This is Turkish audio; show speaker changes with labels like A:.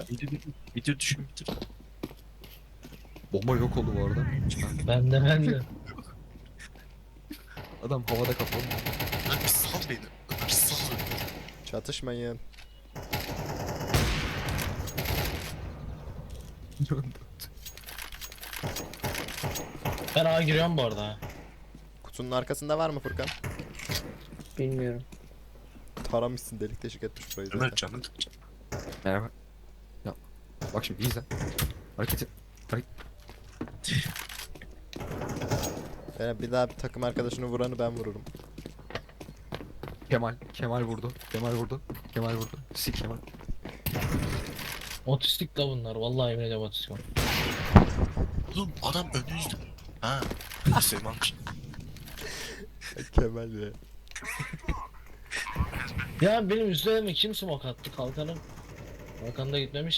A: Bitir düşün bitir.
B: Bomba yok oldu bu arada.
C: Ben de.
B: Adam havada kapalı.
A: Ömer bir sal beni. Ömer sal beni.
D: Çatışmayın.
C: Ben A giriyorum bu arada.
D: Kutunun arkasında var mı Furkan?
E: Bilmiyorum.
D: Taramışsın, delik deşik etmiş burayı
A: Ömer
D: zaten.
A: canım.
B: Merhaba. Ya bak şimdi izle. Hareketi.
D: Bir daha bir takım arkadaşını vuranı ben vururum.
B: Kemal vurdu. Kemal vurdu. Kemal vurdu. Sik Kemal.
C: Otistik de bunlar. Vallahi yemin ediyorum otistik.
A: Oğlum adam önünüzde. Ha. Neyse varmış.
D: Kemal ya.
C: Ya benim üzerime kim smoke attı kalkanım? Kalkan da gitmemiş.